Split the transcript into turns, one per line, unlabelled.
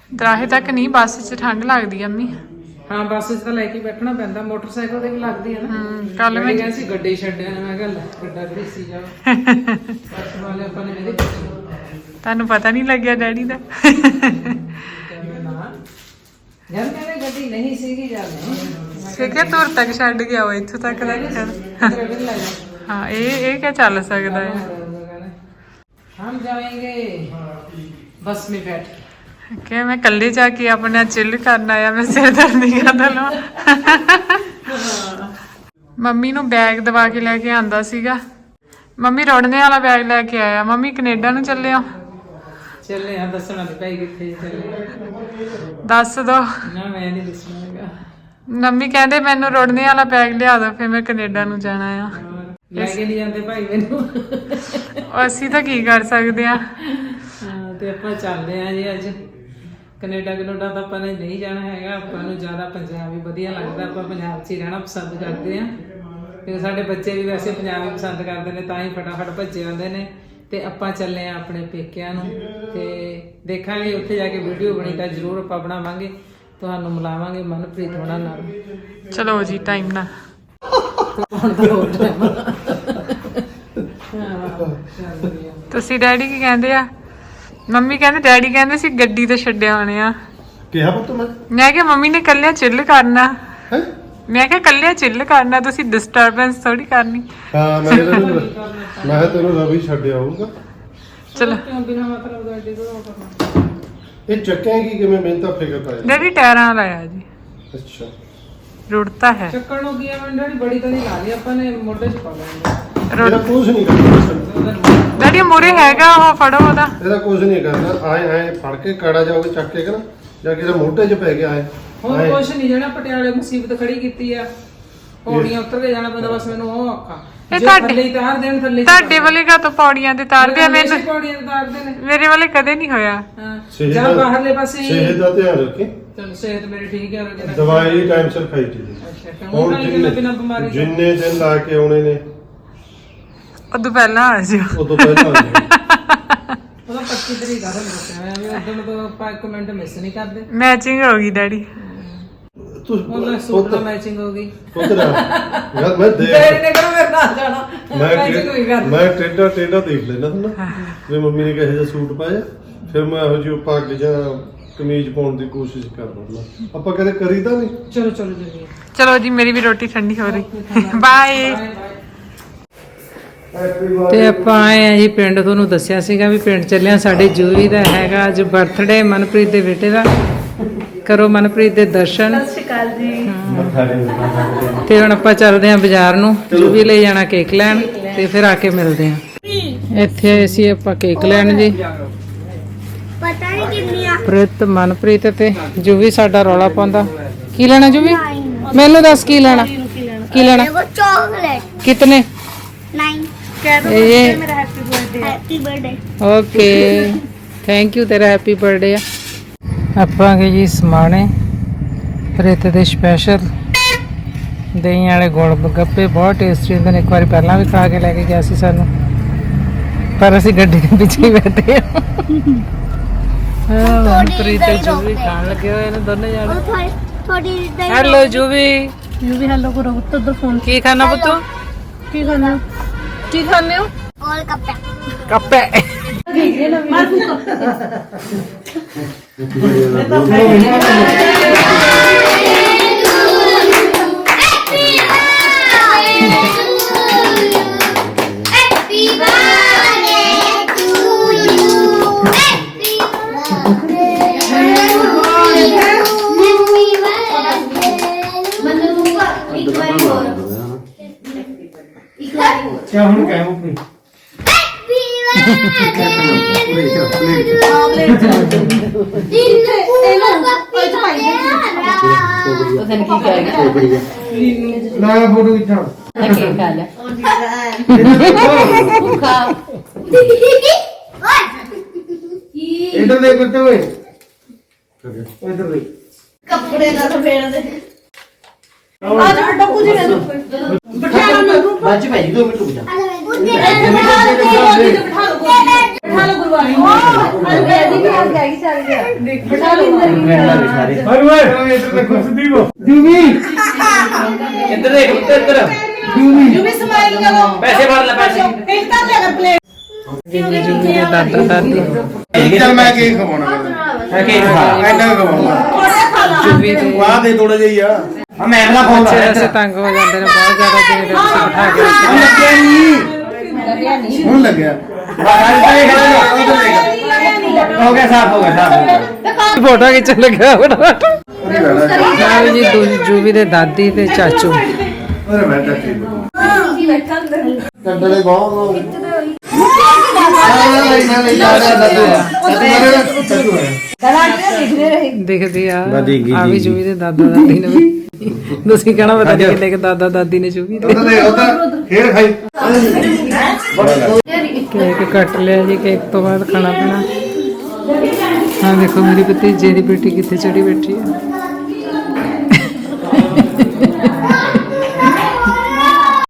ਦਰਾਹੇ ਤੱਕ ਨਹੀਂ, ਬੱਸ 'ਚ ਠੰਡ ਲੱਗਦੀ ਆ ਅੰਮੀ।
ਹਾਂ ਬੱਸ 'ਚ ਤਾਂ ਲੈ ਕੇ ਬੈਠਣਾ ਪੈਂਦਾ, ਮੋਟਰਸਾਈਕਲ ਤੇ ਵੀ ਲੱਗਦੀ ਹੈ ਨਾ।
ਕੱਲ ਮੈਂ
ਕਹਿੰਦੀ ਸੀ ਗੱਡੀ ਛੱਡਿਆ, ਮੈਂ ਕਿਹਾ ਲੈ ਗੱਡਾ ਘੜੀਸੀ ਜਾਓ। ਬੱਸ ਵਾਲੇ ਆਪਾਂ ਨੇ ਮੇਰੇ
ਤੁਹਾਨੂੰ ਪਤਾ ਨਹੀਂ ਲੱਗਿਆ ਡੈਡੀ ਦਾ।
ਯਾਰ ਮੇਰੇ ਗੱਡੀ ਨਹੀਂ ਸੀਗੀ ਜਦ
ਕਿਹਾ ਤੁਰ ਤੱਕ ਛੱਡ ਗਿਆ ਉਹ, ਇੱਥੋਂ ਤੱਕ ਲੈ ਕੇ ਚੱਲ। ਹਾਂ ਇਹ ਕਿਆ ਚੱਲ ਸਕਦਾ ਹੈ।
हम जाएंगे बस में बैठ
ਕਿ ਮੈਂ ਇਕੱਲੇ ਜਾ ਕੇ ਆਪਣਾ ਚਿੱਲ ਕਰਨਾ ਆ, ਮੈਂ ਸਿਰ ਦਰਦ ਨਹੀਂ ਕਰਦਾ ਲਵਾਂ। ਮੰਮੀ ਨੂੰ ਬੈਗ ਦਵਾ ਕੇ ਲੈ ਕੇ ਆਂਦਾ ਸੀਗਾ। ਮੰਮੀ ਰੋੜਨੇ ਵਾਲਾ ਬੈਗ ਲੈ ਕੇ ਆਇਆ। ਮੰਮੀ ਕੈਨੇਡਾ ਨੂੰ ਚੱਲੇ ਆ।
ਚੱਲੇ ਆ, ਦੱਸਣਾ ਤੇ ਭਾਈ ਕਿੱਥੇ ਚੱਲੇ
ਦੱਸ ਦੋ
ਨਾ, ਮੈਂ ਨਹੀਂ ਦੱਸਣਾ ਹੈਗਾ।
ਮੰਮੀ ਕਹਿੰਦੇ ਮੈਨੂੰ ਰੋੜਨੇ ਵਾਲਾ ਬੈਗ ਲਿਆ ਦੋ, ਫਿਰ ਮੈਂ ਕੈਨੇਡਾ ਨੂੰ ਜਾਣਾ ਆ।
ਲੈ ਕੇ ਨਹੀਂ ਜਾਂਦੇ ਭਾਈ ਮੈਨੂੰ।
ਅਸੀਂ ਤਾਂ ਕੀ ਕਰ ਸਕਦੇ ਆ।
ਤੇ ਆਪਾਂ ਚੱਲਦੇ ਆ ਜੀ ਅੱਜ ਕੈਨੇਡਾ। ਕੈਨੇਡਾ ਤਾਂ ਆਪਾਂ ਨੇ ਨਹੀਂ ਜਾਣਾ ਹੈਗਾ, ਆਪਾਂ ਨੂੰ ਜ਼ਿਆਦਾ ਪੰਜਾਬ ਹੀ ਵਧੀਆ ਲੱਗਦਾ। ਆਪਾਂ ਪੰਜਾਬ 'ਚ ਹੀ ਰਹਿਣਾ ਪਸੰਦ ਕਰਦੇ ਆ, ਕਿਉਂਕਿ ਸਾਡੇ ਬੱਚੇ ਵੀ ਵੈਸੇ ਪੰਜਾਬ ਹੀ ਪਸੰਦ ਕਰਦੇ ਨੇ, ਤਾਂ ਹੀ ਫਟਾਫਟ ਭੱਜੇ ਆਉਂਦੇ ਨੇ। ਤੇ ਆਪਾਂ ਚੱਲੇ ਆ ਆਪਣੇ ਪੇਕਿਆਂ ਨੂੰ, ਤੇ ਦੇਖਾਂਗੇ ਉੱਥੇ ਜਾ ਕੇ ਵੀਡੀਓ ਬਣੀ ਤਾਂ ਜ਼ਰੂਰ ਆਪਾਂ ਬਣਾਵਾਂਗੇ, ਤੁਹਾਨੂੰ ਮਿਲਾਵਾਂਗੇ ਮਨਪ੍ਰੀਤ ਹੋਣਾ ਨਾਲ। ਚਲੋ ਜੀ ਟਾਈਮ ਨਾਲ ਤੁਸੀਂ ਡੈਡੀ ਕੀ ਕਹਿੰਦੇ ਆ? ਮੰਮੀ ਕਹਿੰਦੇ ਡੈਡੀ ਕਹਿੰਦੇ ਸੀ ਗੱਡੀ ਤੇ ਛੱਡਿਆ ਹੋਣੇ ਆ।
ਕਿਹਾ ਪੁੱਤ
ਮੈਂ ਕਿਹਾ ਮੰਮੀ ਨੇ ਕੱਲਿਆ ਚਿੱਲ ਕਰਨਾ।
ਹੈ
ਮੈਂ ਕਿਹਾ ਕੱਲਿਆ ਚਿੱਲ ਕਰਨਾ, ਤੁਸੀਂ ਡਿਸਟਰਬੈਂਸ ਥੋੜੀ ਕਰਨੀ।
ਹਾਂ ਮੈਂ ਤੈਨੂੰ ਰਵੀ ਛੱਡ ਆਊਗਾ।
ਚਲੋ
ਬਿਨਾਂ ਮਤਲਬ ਗੱਡੀ ਤੋਂ ਕਰਨਾ।
ਇਹ ਚੱਕਿਆ ਕੀ ਕਿਵੇਂ? ਮੈਨੂੰ ਤਾਂ ਫਿਕਰ ਪਾਇਆ।
ਡੈਡੀ ਟਾਇਰਾਂ ਲਾਇਆ ਜੀ।
ਅੱਛਾ
ਰੁੜਤਾ ਹੈ।
ਚੱਕਣ ਨੂੰ ਕੀ ਆ ਡੈਡੀ, ਬੜੀ ਤਾਂ ਨਹੀਂ ਲਾ ਲਈ ਆਪਾਂ ਨੇ, ਮੋਢੇ 'ਚ ਪਾ ਲੈਣੀ।
ਇਹਦਾ ਕੁਝ ਨਹੀਂ ਕਰਨਾ।
ਡੈਡੀ ਮੂਰੇ ਹੈਗਾ ਉਹ, ਫੜੋ ਉਹਦਾ।
ਇਹਦਾ ਕੁਝ ਨਹੀਂ ਕਰਨਾ। ਆਏ ਫੜ ਕੇ ਕਾੜਾ ਜਾਓਗੇ ਚੱਕ ਕੇ ਨਾ, ਜਾਂ ਕਿਸੇ ਮੋਢੇ 'ਚ ਪੈ ਗਿਆ
ਹੋਰ ਕੁਛ ਨਹੀਂ। ਜਿਹੜਾ ਪਟਿਆਲੇ ਮੁਸੀਬਤ ਖੜੀ ਕੀਤੀ ਆ, ਪੌੜੀਆਂ ਉੱਤਰ ਕੇ ਜਾਣਾ ਪੈਂਦਾ, ਬਸ ਮੈਨੂੰ ਉਹ ਔਖਾ।
ਇਹ
ਜੇ ਥੱਲੇ ਹੀ ਤਾਰ ਦੇਣ, ਥੱਲੇ
ਤੁਹਾਡੇ ਵਾਲੇ ਕਾ ਤਾਂ ਪੌੜੀਆਂ ਤੇ ਤਾਰਦੇ ਆ, ਮੈਨੂੰ
ਪੌੜੀਆਂ ਤੇ ਤਾਰਦੇ ਨੇ।
ਮੇਰੇ ਵਾਲੇ ਕਦੇ ਨਹੀਂ ਹੋਇਆ।
ਹਾਂ ਜਾਂ ਬਾਹਰਲੇ ਪਾਸੇ
ਸਿਹਤ ਦਾ ਧਿਆਨ ਰੱਖੀ।
ਚਲੋ ਸਿਹਤ ਮੇਰੀ ਠੀਕ ਹੈ।
ਦਵਾਈ ਟਾਈਮ ਸਿਰ ਖਾਈ ਜੀ।
ਅੱਛਾ ਹੁਣ ਬਿਨਾਂ ਬਿਮਾਰੀ
ਜਿੰਨੇ ਦਿਨ ਲਾ ਕੇ ਆਉਣੇ ਨੇ
ਉਦੋਂ ਪਹਿਲਾਂ ਆ ਜਿਓ।
ਉਦੋਂ ਪਹਿਲਾਂ ਆ ਜਾਓ।
ਉਹਦਾ 25 ਤਰੀਕ ਆ ਤੁਹਾਨੂੰ ਦੱਸਿਆ ਮੈਂ, ਵੀ ਉਦੋਂ ਤੋਂ ਆਪਾਂ ਇੱਕ ਮਿੰਟ ਮਿਸ ਨਹੀਂ ਕਰਦੇ।
ਮੈਚਿੰਗ ਹੋ ਗਈ ਡੈਡੀ।
ਉਹਨਾਂ ਸੂਟ ਨਾਲ ਮੈਚਿੰਗ ਹੋ ਗਈ।
ਪੁੱਤਰਾ ਯਾਰ ਮੈਂ ਦੇਖ
ਤੇਰੇ ਨੇ ਕਿਹੜਾ ਮੇਰੇ ਨਾਲ ਜਾਣਾ, ਮੈਚਿੰਗ ਹੋਈ ਕਰ।
ਮੈਂ ਟੇਡਾ ਦੇਖ ਲੈਣਾ ਹੁੰਦਾ ਵੀ ਮੰਮੀ ਨੇ ਕਿਹੋ ਜਿਹਾ ਸੂਟ ਪਾਇਆ, ਫਿਰ ਮੈਂ ਇਹੋ ਜਿਹੀ ਪੱਗ ਜਾਂ ਕਮੀਜ਼ ਪਾਉਣ ਦੀ ਕੋਸ਼ਿਸ਼ ਕਰਦਾ। ਆਪਾਂ ਕਦੇ ਕਰੀ ਤਾਂ ਨਹੀਂ।
ਚਲੋ ਚਲੋ ਜੀ,
ਚਲੋ ਜੀ ਮੇਰੀ ਵੀ ਰੋਟੀ ਠੰਡੀ ਹੋ ਰਹੀ। ਬਾਏ।
ਤੇ ਆਪਾਂ ਆਏ ਆ ਜੀ ਪਿੰਡ। ਤੁਹਾਨੂੰ ਦੱਸਿਆ ਸੀਗਾ ਵੀ ਪਿੰਡ ਚੱਲਿਆ। ਸਾਡੇ ਜੂਵੀ ਦਾ ਹੈਗਾ ਅੱਜ ਬਰਥਡੇ, ਮਨਪ੍ਰੀਤ ਦੇ ਬੇਟੇ ਦਾ। ਕਰੋ ਮਨਪ੍ਰੀਤ ਦੇ ਦਰਸ਼ਨ।
ਸਤਿ ਸ਼੍ਰੀ ਅਕਾਲ ਜੀ।
ਤੇ ਹੁਣ ਆਪਾਂ ਚੱਲਦੇ ਆਂ ਬਾਜ਼ਾਰ ਨੂੰ, ਜੂਵੀ ਲਈ ਜਾਣਾ ਕੇਕ ਲੈਣ, ਤੇ ਫਿਰ ਆ ਕੇ ਮਿਲਦੇ ਆਂ। ਇੱਥੇ ਆਏ ਸੀ ਆਪਾਂ ਕੇਕ ਲੈਣ ਜੀ।
ਪਤਾ ਨਹੀਂ ਕਿੰਨੀਆਂ
ਪ੍ਰਿਤ, ਮਨਪ੍ਰੀਤ ਤੇ ਜੂਵੀ ਸਾਡਾ ਰੌਲਾ ਪਾਉਂਦਾ। ਕੀ ਲੈਣਾ ਜੂਵੀ? ਮੈਨੂੰ ਦੱਸ ਕੀ ਲੈਣਾ? ਕੀ ਲੈਣਾ?
वो चॉकलेट
कितने?
9
ये
happy birthday.
Okay thank you, ਤੇਰਾ ਹੈਪੀ ਬਰਥਡੇ ਆ। ਆਪਾਂ ਗਏ ਜੀ ਸਮਾਣੇ, ਪ੍ਰਿਤ ਦੇ ਸਪੈਸ਼ਲ ਦਹੀਂ ਵਾਲੇ ਗੋਲ ਗੱਪੇ ਬਹੁਤ ਟੇਸਟੀ ਹੁੰਦੇ ਨੇ। ਇੱਕ ਵਾਰੀ ਪਹਿਲਾਂ ਵੀ ਖਾ ਕੇ ਲੈ ਕੇ ਗਿਆ ਸੀ ਸਾਨੂੰ, ਪਰ ਅਸੀਂ ਗੱਡੀ ਦੇ ਪਿੱਛੇ ਹੀ ਬੈਠੇ ਆ। ਪ੍ਰੀਤ ਤੇ ਜੂਵੀ ਖਾਣ ਲੱਗੇ ਹੋਏ ਨੇ ਦੋਨੇ ਜਾਣੇ।
और थोड़ी दही
ਹੈਲੋ ਜੂਵੀ,
भी हेलो करो तो फोन
ਕੀ ਖਾਣਾ ਪੁੱਤੂ?
की करना
ਕੀ ਖਾਣੇ ਹੋ?
और कप
ਕੱਪੇ।
क्या हम क्या हम ना फोटो खिंचा इधर देख करते हुए इधर देख
कपड़े ना तो फेर दे
बाजी भाई 2 मिनट रुक जा
ਇੱਧਰ ਦੇਖ ਇੱਧਰ ਪੈਸੇ ਭਰ ਲੈ ਪੈਸੇ
ਜੂਵੀ ਦੇ ਦਾਦਾ ਦਾਦੀ
ਚੱਲ ਮੈਂ ਕੇਕ ਖਵਾਉਣਾ
ਹੈ ਕੇਕ ਖਾ
ਐਨਾ ਖਵਾਉਣਾ
ਜੂਵੀ ਦੇ
ਵਾਹ ਦੇ ਥੋੜਾ ਜਿਹਾ ਹੀ ਆ
ਆ ਮੈਂ ਨਾ ਫੋਨ
ਬੱਚੇ
ਲਾ
ਵੈਸੇ ਤੰਗ ਹੋ ਜਾਂਦੇ ਨੇ ਬਹੁਤ ਜ਼ਿਆਦਾ ਜਿਵੇਂ ਦੇ ਵਿੱਚ ਬਿਠਾ ਕੇ ਰੱਖਦੇ ਨੇ।
ਹੁਣ ਲੱਗਿਆ
ਹੋ ਗਿਆ ਸਾਫ ਹੋ ਗਿਆ
ਫੋਟੋ ਖਿੱਚਣ ਲੱਗਾ ਫਟਾਫਟ
ਉਹਦੀ ਬੈਠਾ
ਨਾਲ ਜੀ ਜੂਵੀ ਦੇ ਦਾਦੀ ਤੇ ਚਾਚੂ
ਅਰੇ ਬੈਠਾ ਠੀਕ ਕੰਡਲੇ ਬਹੁਤ
ਦੇਖਦੇ ਆ ਆ ਵੀ ਜੂਵੀ ਦੇ ਦਾਦਾ ਦਾਦੀ ਨੇ ਵੀ ਤੁਸੀਂ ਕਹਿਣਾ ਪਤਾ ਨਹੀਂ ਕਿੰਨੇ ਕਿ ਦਾਦਾ ਦਾਦੀ ਨੇ ਜੂਵੀ ਦੇ
ਉਧਰ ਖੇਡ ਖਾਈ
ਕੇਕ ਕੱਟ ਲਿਆ ਜੀ ਕੇਕ ਤੋਂ ਬਾਅਦ ਖਾਣਾ ਪੀਣਾ ਹਾਂ ਦੇਖੋ ਮੇਰੀ ਭਤੀਜੇ ਦੀ ਬੇਟੀ ਕਿੱਥੇ ਚੜੀ ਬੈਠੀ ਹੈ